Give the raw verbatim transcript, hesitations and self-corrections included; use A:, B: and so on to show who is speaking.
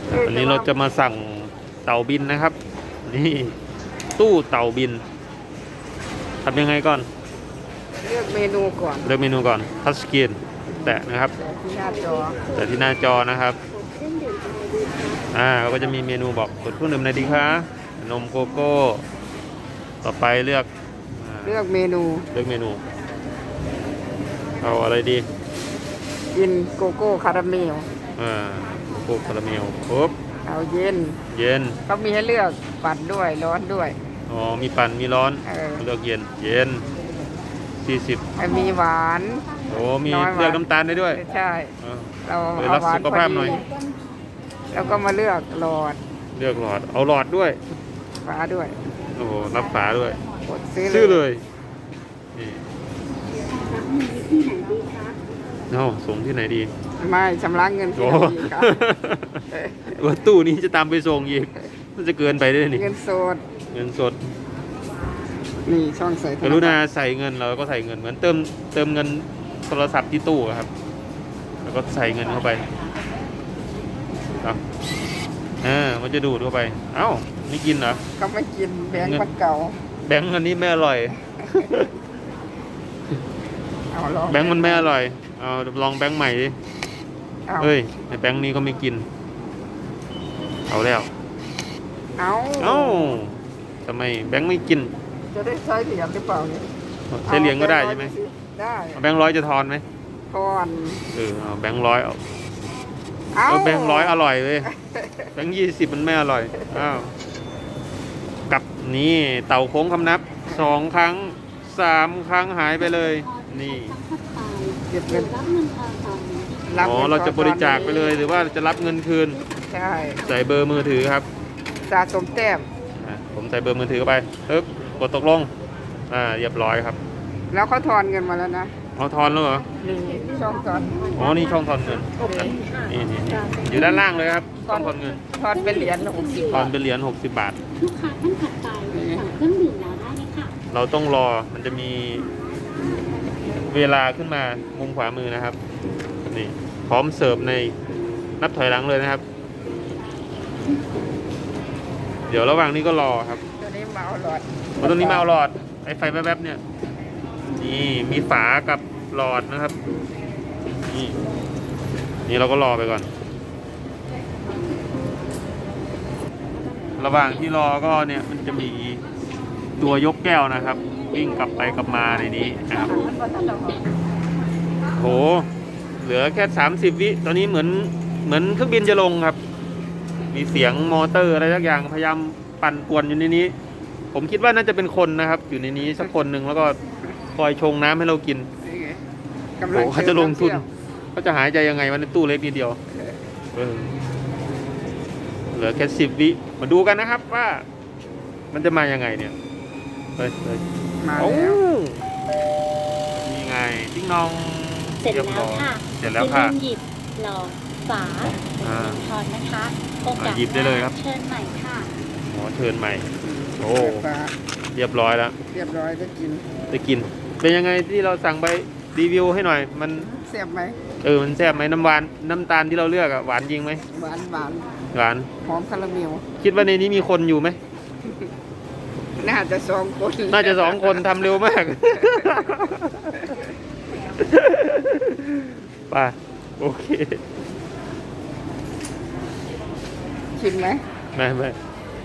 A: วันนี้เราจะมาสั่งเต่าบินนะครับนี่ตู้เต่าบินทำยังไงก่อน
B: เลือกเมนูก่อน
A: เลือกเมนูก่อนทัชสกรีนแตะนะครับ
B: ที่หน้าจอ
A: แต่ที่หน้าจอนะครับอ่าก็จะมีเมนูบอกกดเครื่องดื่มไหนดีคะนมโกโก้ต่อไปเลือก
B: เลือกเมนู
A: เลือกเมนูเอาอะไรดี
B: กินโกโก้คาราเมล
A: อ่าโกโก้คาราเมลปุ๊บ
B: เอาเย็น
A: เย็น
B: เขามีให้เลือกปั่นด้วยร้อนด้วย
A: อ๋อมีปั่นมีร้อนเลือกเย็นเย็นสี่สิบ
B: มีหวาน
A: โอ้มีเลือกน้ำตาลได้ด้วย
B: ใช่เรา
A: เอาหวานสุขภาพหน่อย
B: แล้วก็มาเลือกหลอด
A: เลือกหลอดเอาหลอดด้วย
B: ฝาด้วย
A: โอ้โหรับฝาด้วย
B: ซื้อ
A: เลยเนาะส่งที่ไหนดี
B: ไม่ชำระเงินที่ไหนดีครับ
A: ว่าตู้นี้จะตามไปส่งอีกมันจะเกินไปได้นี่
B: เงินสด
A: เงินสด
B: นี่ช่องใส่
A: กรุณาใส่เงินเราก็ใส่เงินเหมือนเติมเติมเงินโทรศัพท์ที่ตู้ครับแล้วก็ใส่เงินเข้าไปครับอ่ามันจะดูดเข้าไปเอ้าไม่กินเหรอ
B: เขาไม่กินแบงค์มันเก่า
A: แบงค์อันนี้ไม่อร่อยแบงค์มันไม่อร่อยเอาลองแบงค์ใหม่ดิเฮ้ยในแบงค์นี้ก็ไม่กินเอาแล้ว
B: เอา
A: เอ้าทำไมแบงค์ไม่กิน
B: จะได้ใช้เหรียญหรือเปล่าเนี่ย
A: ใช้เหรียญก็ได้ใช่ไหม
B: ได้
A: แบงค์ร้อยจะทอนไหม
B: ทอน
A: เออเอาแบงค์ร้อยเอาเอาแบงค์ร้อยอร่อยเลยแบงค์ยี่สิบมันไม่อร่อยอ้าวกับนี่เต่าโค้งคำนับสองครั้งสามครั้งหายไปเลยนี่
B: เก็บเงิน
A: อ๋อเราจะบริจาคไปเลยหรือว่าจะรับเงินคืน
B: ใช่
A: ใส่เบอร์มือถือครับ
B: สะสมแต้ม
A: ผมใส่เบอร์มือถือเข้าไปปึ๊บกดตกลงอ่าเรียบร้อยครับ
B: แล้วเขาทอนเงินมาแล้วนะ
A: เขาทอนแล้วเหรอ
B: นี่ช่องทอน
A: อ๋อนี่ช่องทอนเงินนี่นี่อยู่ด้านล่างเลยครับช่องทอนเงิน
B: ทอนเป็นเหรียญหกสิบ
A: ทอนเป็นเหรียญหกสิบบาท
C: ลูกค้าท่านถัดไปสั่งเครื่องดื่มแล้วได้ไหมคะ
A: เราต้องรอมันจะมีเวลาขึ้นมามุมขวามือนะครับนี่พร้อมเสิร์ฟในนับถอยหลังเลยนะครับเดี๋ยวระหว่างนี้ก็รอครับ
B: ตัวนี้มาเอาหลอด
A: ตัวนี้มาเอาหลอดไอ้ไฟแวบๆเนี่ยนี่มีฝากับหลอดนะครับนี่นี่เราก็รอไปก่อนระหว่างที่รอก็เนี่ยมันจะมีตัวยกแก้วนะครับวิ่งกลับไปกลับมาในนี้นะครับโหเหลือแค่สามสิบวิตอนนี้เหมือนเหมือนเครื่องบินจะลงครับมีเสียงมอเตอร์อะไรสักอย่างพยายามปั่นป่วนอยู่ในนี้ผมคิดว่าน่าจะเป็นคนนะครับอยู่ในนี้สักคนหนึ่งแล้วก็คอยชงน้ำให้เรากินโอ้เขาจะลงทุนเขาจะหายใจยังไงวันในตู้เล็กนิดเดียวเออเหลือแค่สิบวิมาดูกันนะครับว่ามันจะมายังไงเนี่ยเฮ้ยเฮ้ย
B: มาแล้ว
A: นี่ไงติ๊งนอง
C: เสร็จแล้วค่ะ
A: เสร็จแล้วค่ะ
C: หยิบหลอดฝาทอนนะคะโอกาส
A: หยิบได้เลยครับ
C: เชิญใหม่ค่ะ
A: อ๋อเชิญใหม่โอ้เรียบร้อยแล้ว
B: เรียบร้อยได้กิน
A: ได้กินเป็นยังไงที่เราสั่งไปรีวิวให้หน่อยมัน
B: แซ่บไหม
A: เออมันแซ่บไหมน้ำหวานน้ำตาลที่เราเลือกอะหวานจริงไหม
B: หวานหวาน
A: หวาน
B: หอมคาราเมล
A: คิดว่าในนี้มีคนอยู่ไหม
B: น่าจะสองคน
A: น่าจะสองคนทำเร็วมากป่ะโอเค
B: ชิมไหม
A: ไม่ไม่